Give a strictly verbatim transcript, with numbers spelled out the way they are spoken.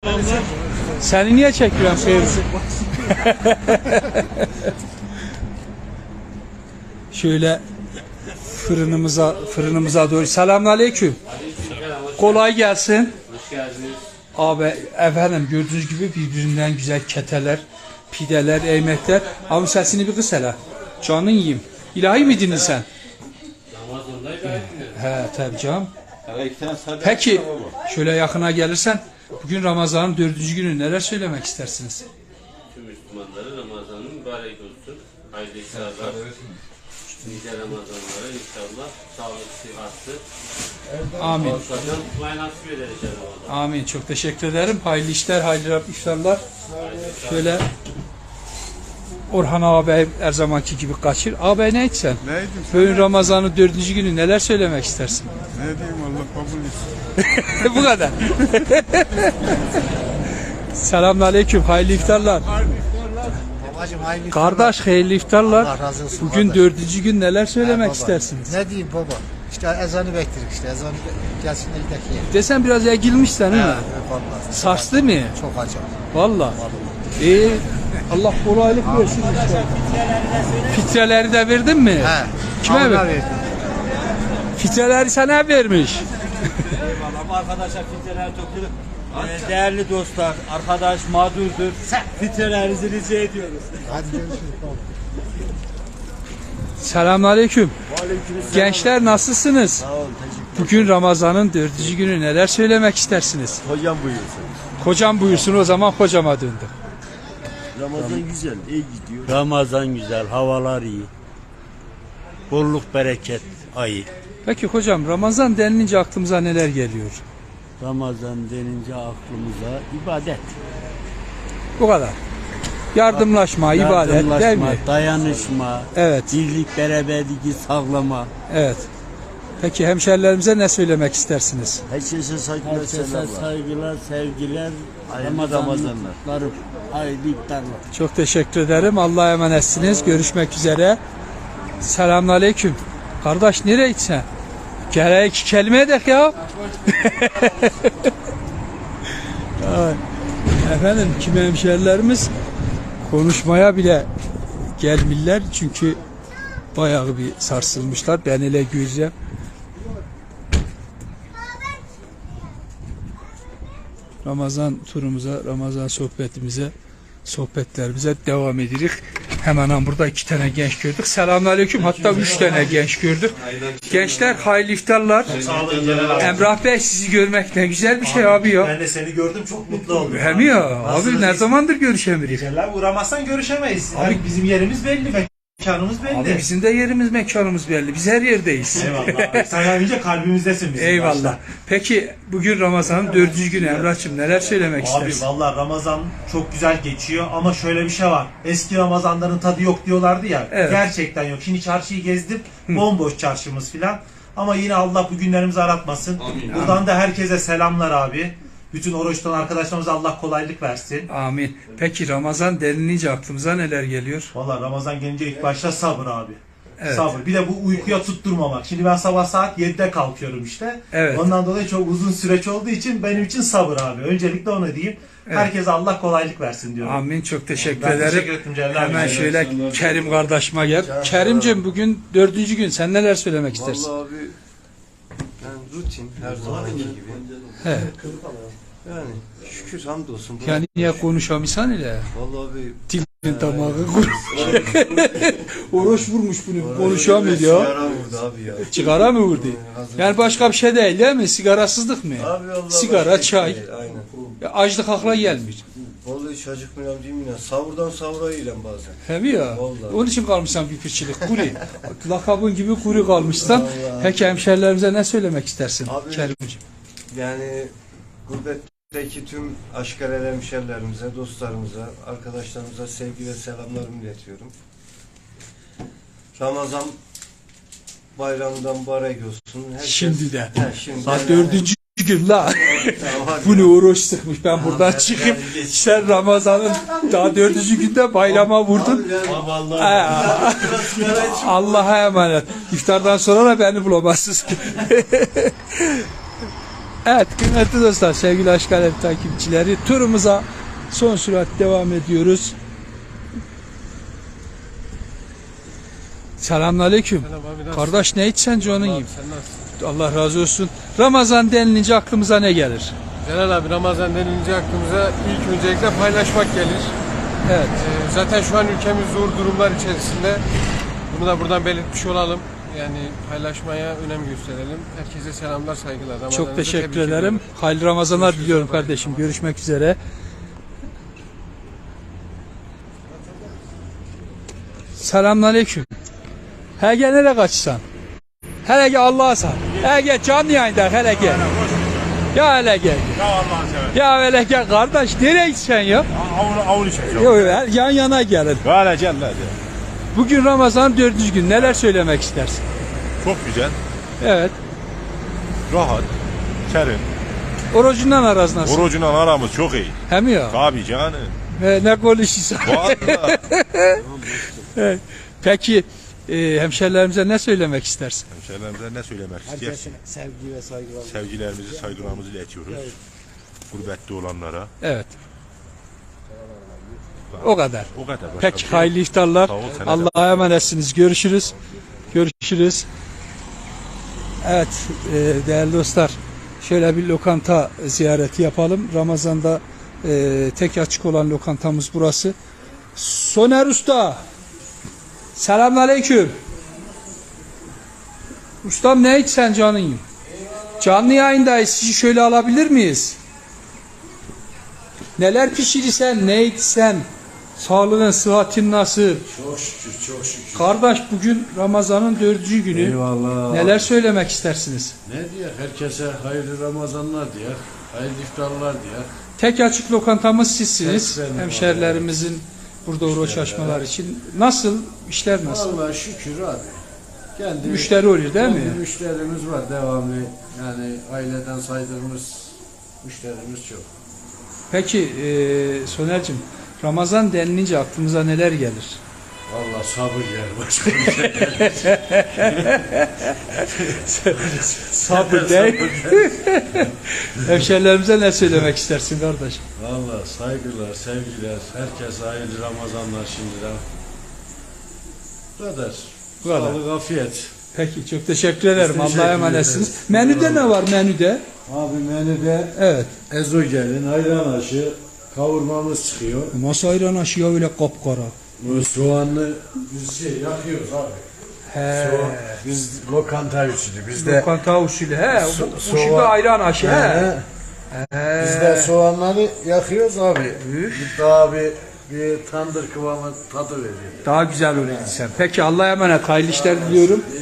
Seni niye çekiyorum Fevzi? Şöyle fırınımıza fırınımıza doğru. Selamünaleyküm. Kolay gelsin. Hoş geldiniz. Abi efendim gördüğünüz gibi birbirinden güzel keteler, pideler, eymekler. Abi sesini bir kıs hele. Canın yiyeyim. İlahi miydin sen? Ramazan'da ibadet He tabii canım. Peki şöyle yakına gelirsen bugün Ramazan'ın dördüncü günü neler söylemek istersiniz? Tüm Müslümanlara Ramazan'ın mübarek olsun. Hayırlı iftarlar. Nice Ramazanlara inşallah sağlık, sıhhatli. Amin. Olsadan tutmayı nasip eder inşallah. Amin. Çok teşekkür ederim. Hayırlı işler, hayırlı iftarlar. Şöyle Orhan ağabey her zamanki gibi kaçır. Ağabey ne etsen? Neydim? Bugün Ramazan'ın dördüncü günü neler söylemek istersin? Ne diyeyim, Allah kabul etsin. Bu kadar. Selamünaleyküm. Hayırlı iftarlar. Babacım hayırlı iftarlar. Kardeş hayırlı iftarlar. Allah razı olsun Bugün kardeş. dördüncü gün neler söylemek baba. istersiniz? Ne diyeyim baba? İşte ezanı bekliyoruz işte. Ezanı be- gelsin de gidelim. Desen biraz egilmişsen değil mi? Evet vallahi. Sarslı mı? Çok acayip. Valla. İyi. Allah kolaylık versin inşallah. Fitreleri de verdin mi? He. Kime Allah ver? verdi. Fitreleri sana vermiş. Eyvallah. Arkadaşlar fitreler topluyor. Ee, değerli dostlar, arkadaş mağdurdur. Fitrelerinizi rica ediyoruz. Hadi görüşürüz baba. Selamünaleyküm. Gençler nasılsınız? Bugün Ramazan'ın dördüncü günü neler söylemek istersiniz? Hocam buyursun. Kocam buyursun, o zaman kocama döndüm. Ramazan güzel, iyi gidiyor. Ramazan güzel, havalar iyi. Bolluk bereket ayı. Peki hocam, Ramazan denilince aklımıza neler geliyor? Ramazan denince aklımıza ibadet. Bu kadar. Yardımlaşma, ibadet değil Yardımlaşma, mi? dayanışma, Evet, birlik, beraberliği sağlama. evet. Peki hemşerilerimize ne söylemek istersiniz? Herkese saygılar, Herkese selamlar. saygılar, sevgiler. Hayırlı Ramazanlar. Ramazanlar. Hayırlı iftarlar. Çok teşekkür ederim. Allah'a emanetsiniz. Görüşmek üzere. Selamünaleyküm. Kardeş nereye gitsen? Gel iki kelime edek ya. Ay. Efendim kimi hemşerilerimiz konuşmaya bile gelmirler çünkü bayağı bir sarsılmışlar. Ben hele göreceğim. Ramazan turumuza, Ramazan sohbetimize, sohbetlerimize devam edirik. Hemen burada iki tane genç gördük. Selamünaleyküm. Hatta üç tane genç gördük. Gençler hayırlı iftarlar. Sağ olun Celal abi. Emrah Bey sizi görmek ne güzel bir şey abi ya. Ben de seni gördüm, çok mutlu oldum. Hem ya abi Nasılsınız? ne zamandır görüşemiyoruz. Celal abi uğramazsan görüşemeyiz. Abi- Abi bizim yerimiz belli, mekanımız belli. Abi bizim de yerimiz mekanımız belli. Biz her yerdeyiz. Eyvallah. Sen önce kalbimizdesin bizim. Eyvallah. başta. Peki bugün Ramazan'ın dördüncü günü Emrah'cığım neler söylemek Abi istersin? vallahi Ramazan çok güzel geçiyor ama şöyle bir şey var. Eski Ramazanların tadı yok diyorlardı ya. Evet. Gerçekten yok. Şimdi çarşıyı gezdim. Bomboş çarşımız filan. Ama yine Allah bu günlerimizi aratmasın. Buradan da herkese selamlar abi. Bütün oruç tutan arkadaşlarımıza Allah kolaylık versin. Amin. Peki Ramazan denilince aklımıza neler geliyor? Vallahi Ramazan gelince ilk başta sabır abi. Evet. Sabır. Bir de bu uykuya tutturmamak. Şimdi ben sabah saat yedide kalkıyorum işte. Evet. Ondan dolayı çok uzun süreç olduğu için benim için sabır abi. Öncelikle onu diyeyim. Evet. Herkese Allah kolaylık versin diyorum. Amin. Çok teşekkür Ben ederim. teşekkür ettim Celal abi. Hemen şöyle Kerim kardeşime gel. Kerim'cim bugün dördüncü gün. Sen neler söylemek istersin? Vallahi abi, yani rutin, her zamanki gibi. He. Yani şükür hamdolsun. Yani niye konuşamıyorsan ile? Vallahi abi, Dilin damağı kurumuş. Oruç vurmuş bunu. Konuşamıyor ya. sigara vurdu abi ya. Sigara mı vurdu? Yani başka bir şey değil değil mi? Sigarasızlık mı? Abi vallahi Sigara, başka çay. değil, aynen. Ya açlık akla gelmiyor. Vallahi hiç acıkmıyorum diyeyim yine. Savurdan savura yiyelim bazen. He mi ya? Vallahi. Onun için kalmışsan bir pirçilik. Kuri. Lakabın gibi kuri kalmışsan. Peki hemşerilerimize ne söylemek istersin? Abi- Kerimciğim. Yani gurbetteki tüm aşkarel hemşerilerimize, dostlarımıza, arkadaşlarımıza sevgi ve selamlarımı iletiyorum. Ramazan bayramından mübarek olsun. Herkes... Şimdi de. He, şimdi Bak de. dördüncü gün la. Tamam, Bu ne oruç sıkmış. Ben buradan çıkıp sen Ramazan'ın daha dördüncü günde bayrama vurdun. Aa, Allah'a emanet. İftardan sonra da beni bulamazsınız. Evet kıymetli dostlar, sevgili Aşk Alem takipçileri, turumuza son sürat devam ediyoruz. Selamünaleyküm. Kardeş ne içsen canın gibi. Allah razı olsun. Ramazan denilince aklımıza ne gelir? Celal abi, Ramazan denilince aklımıza ilk öncelikle paylaşmak gelir. Evet. Ee, zaten şu an ülkemiz zor durumlar içerisinde. Bunu da buradan belirtmiş olalım. Yani paylaşmaya önem gösterelim. Herkese selamlar, saygılar. Ramazanınızı Çok teşekkür tebrik ederim. ediyorum. Hayırlı Ramazanlar Görüşürüz diliyorum baba. kardeşim. Görüşmek üzere. Selamünaleyküm. Hele gel nereye kaçsan? Hele gel Allah'a sar. Hele gel canlı yayında hele gel. Ya hele gel. Ya Allah'ını seversen. Ya hele gel kardeş nereye gitsen ya? Avunu avunu çek. Yok yan yana gelin. Böyle gel hadi. Bugün Ramazan dördüncü gün, neler söylemek istersin? Çok güzel. Evet. Rahat. Serin. Orucundan araz nasıl? Orucunla aramız çok iyi. Hem ya. Tabii canım. Ve ne konuşuyorsun? Vallahi. Evet. Peki e, hemşerilerimize ne söylemek istersin? Hemşehrilerimize ne söylemek istiyoruz? Herkese sevgi ve saygılar. Sevgilerimizi, saygılarımızı iletiyoruz. Gurbette olanlara. Evet. O kadar. O kadar. Başka bir Peki şey hayırlı iftarlar. Sağ ol, sana da. Allah'a emanetsiniz. Görüşürüz. Görüşürüz. Evet e, değerli dostlar, şöyle bir lokanta ziyareti yapalım. Ramazan'da e, tek açık olan lokantamız burası. Soner Usta. Selamünaleyküm. Ustam ne içsen canın? Canlı yayındayız. Sizi şöyle alabilir miyiz? Neler pişirirsen, ne içsen, sağlığın, sıhhatin nasıl? Çok şükür, çok şükür. Kardeş bugün Ramazan'ın dördüncü günü. Eyvallah. Neler söylemek istersiniz? Ne diyor? Herkese hayırlı Ramazanlar diyor. Hayırlı iftarlar diyor. Tek açık lokantamız sizsiniz. Tek benim Hemşerilerimizin burada uğraş açmalar için. Nasıl? İşler nasıl? Vallahi şükür abi. Kendi, Müşteri oluyor değil kendi mi? müşterimiz var devamlı. Yani aileden saydığımız müşterimiz çok. Peki e, Soner'cim, Ramazan denilince aklımıza neler gelir? Vallahi sabır yer başka bir şey. Sabır değil. Hemşerilerimize ne söylemek istersin kardeş? Vallahi saygılar, sevgiler. Herkese hayırlı Ramazanlar şimdiden. Bu kadar. Bu kadar. Sağlık, afiyet. Peki çok teşekkür ederim. Biz teşekkür Allah'a emanetsiniz. ederiz. Menüde ne var menüde? Abi menüde Evet. ezogelin, ayran aşı, kavurmamız çıkıyor. Masa ayran aşı ya öyle kapkara. Bu soğanlı biz şey yakıyoruz abi. He. Soğan, biz lokanta usulü. Bizde Lokanta usulü. He. So- bu, bu soğan- şimdi ayran aşı. He. He, He. bizde soğanları yakıyoruz abi. Daha bir bir tandır kıvamı tadı veriyor. Daha güzel oluyor sen. Peki Allah'a emanet. Hayırlı işler diliyorum.